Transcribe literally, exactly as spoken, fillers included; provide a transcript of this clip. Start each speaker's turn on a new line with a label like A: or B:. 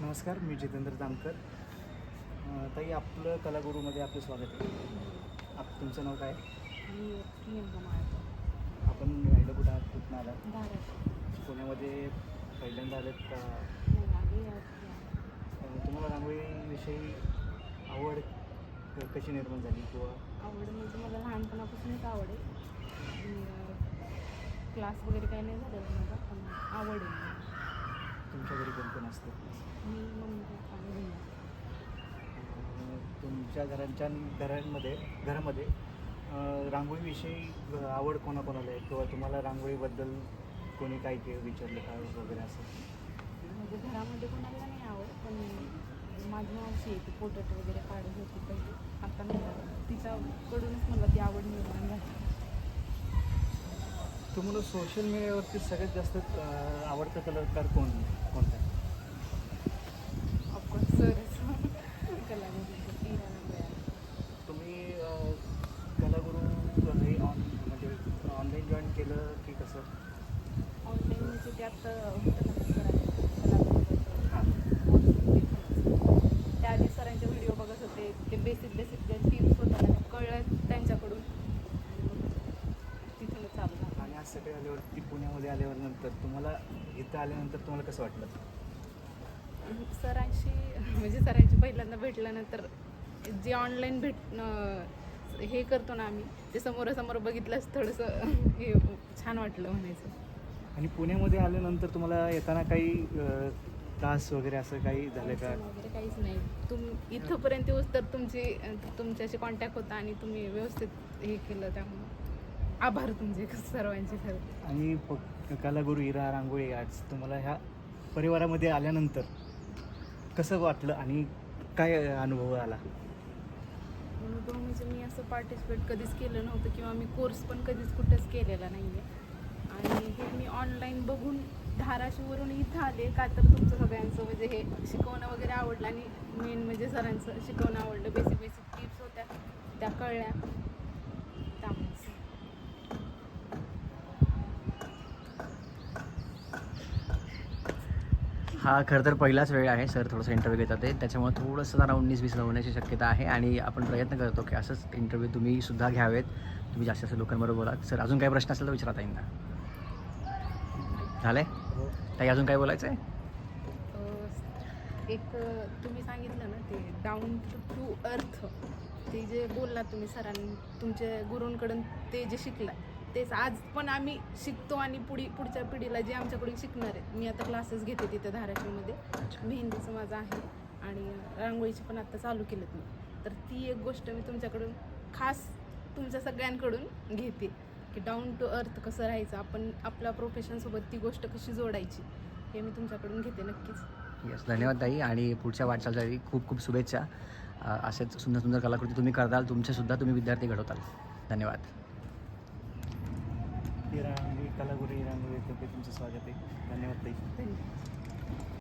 A: नमस्कार, मी जितेंद्र जामकर. अ, ताई, आपलं कलागुरूमध्ये आपलं स्वागत आहे. आप तुमचं नाव काय?
B: मी प्रियंका माळकर.
A: आपण राहिलं कुठं आहात, कुठून आलात?
B: धाराशिव.
A: पुण्यामध्ये पहिल्यांदा आलेत का?
B: नाही आली यावर्षी आहे.
A: अ, तुम्हाला रांगोळीविषयी आवड क- कशी निर्माण झाली किंवा
B: आवड म्हणजे मला लहानपणापासूनच आवड आहे. मी क्लास वगैरे काही नाही झालेलं माझा, पण आवड आहे.
A: तुमच्या घरी कोण कोण असतं?
B: मी मम्मी पप्पा आणि बहीण.
A: अ, तुमच्या घरांच्या घरांमध्ये घरामध्ये अ, रांगोळीविषयी अ, आवड कोणाकोणाला आहे किंवा तुम्हाला रांगोळीबद्दल कोणी काय के विचारलं का वगैरे असं?
B: म्हणजे घरामध्ये कोणाला नाही आवड, पण माझी मावशी आहे ती पोटट वगैरे काढत होती पहिले. आता नाही करत. तिच्याकडूनच मला ती आवड निर्माण झाली.
A: तुम्हाला सोशल मीडियावरती सगळ्यात जास्त अ, आवडता कलाकार कोण कोणता आहे?
B: ऑफकोर्स सरच कलामध्ये इराणा मिळाला.
A: तुम्ही अ, कलागुरू हे ऑन म्हणजे ऑनलाईन जॉईन केलं की कसं?
B: ऑनलाईन म्हणजे त्यात होतं ना सरांचे
A: हां.
B: त्या आधी सरांचे व्हिडिओ बघत होते. ते बेसिक बेसिक ज्या टिप्स होत्या ना त्या कळल्या त्यांच्याकडून, आणि मग तिथूनच चालू झालं.
A: आणि आज सगळे आल्यावरती पुण्यामध्ये आल्यावर नंतर तुम्हाला इथं आल्यानंतर तुम्हाला कसं वाटलं?
B: सरांशी म्हणजे सरांशी पहिल्यांदा भेटल्यानंतर जे ऑनलाईन भेट हे करतो ना आम्ही, ते समोरासमोर बघितलंच थोडंसं हे छान वाटलं म्हणायचं.
A: आणि पुण्यामध्ये आल्यानंतर तुम्हाला येताना काही अ, त्रास वगैरे असं काही झालं का?
B: अडचण वगैरे काहीच नाही. तुम इथंपर्यंत येऊस तर तुमची तुमच्याशी कॉन्टॅक्ट होता आणि तुम्ही व्यवस्थित हे केलं, त्यामुळं आभार तुमचे सर्वांचे खरं.
A: आणि प कलागुरू इरा रांगोळी आर्ट्स तुम्हाला ह्या परिवारामध्ये आल्यानंतर कसं वाटलं आणि काय अनुभव आला?
B: अनुभव म्हणजे मी असं पार्टिसिपेट कधीच केलं नव्हतं किंवा मी कोर्स पण कधीच कुठंच केलेला नाही आहे. आणि हे मी ऑनलाईन बघून धाराशिववरून इथं आले का तर तुमचं सगळ्यांचं म्हणजे हे शिकवणं वगैरे आवडलं, आणि मेन म्हणजे सरांचं शिकवणं आवडलं. बेसिक बेसिक टिप्स होत्या त्या कळल्या, त्यामुळेच.
C: हा खरं तर पहिलाच वेळ आहे सर थोडंसं इंटरव्ह्यू घेतात ते, त्याच्यामुळे थोडंसं जरा उन्नीस वीस होण्याची शक्यता आहे आणि आपण प्रयत्न करतो की असंच इंटरव्ह्यू तुम्ही सुद्धा घ्यावेत. तुम्ही जास्त जास्त लोकांबरोबर बोला. सर अजून काही प्रश्न असेल तर विचारता येईल ना? झालं आहे
A: हो.
C: ताई, अजून काय बोलायचं आहे?
B: अं, एक अं, तुम्ही सांगितलं ना ते डाऊन टू अर्थ, ते जे बोललात तुम्ही सरांनी तुमच्या गुरूंकडून ते जे शिकला तेच आज पण आम्ही शिकतो, आणि पुढी पुढच्या पिढीला जे आमच्याकडून शिकणार आहेत. मी आता क्लासेस घेते तिथे धाराशिवमध्ये, मेहंदीचं माझं आहे आणि रांगोळीची पण आता चालू केलेत मी. तर ती एक गोष्ट मी तुमच्याकडून खास तुमच्या सगळ्यांकडून घेते की डाऊन टू अर्थ कसं राहायचं, आपण आपल्या प्रोफेशनसोबत ती गोष्ट कशी जोडायची, हे मी तुमच्याकडून घेते नक्कीच.
C: येस, धन्यवाद ताई, आणि पुढच्या वाटचालीसाठी खूप खूप शुभेच्छा. अ, असेच सुंदर सुंदर कलाकृती तुम्ही करताल, तुमचेसुद्धा तुम्ही विद्यार्थी घडवताल. धन्यवाद.
A: इरा रांगोळी कलागुरू इरा रांगोळी तुमचं स्वागत आहे. धन्यवाद ताई.
B: धन्यवाद.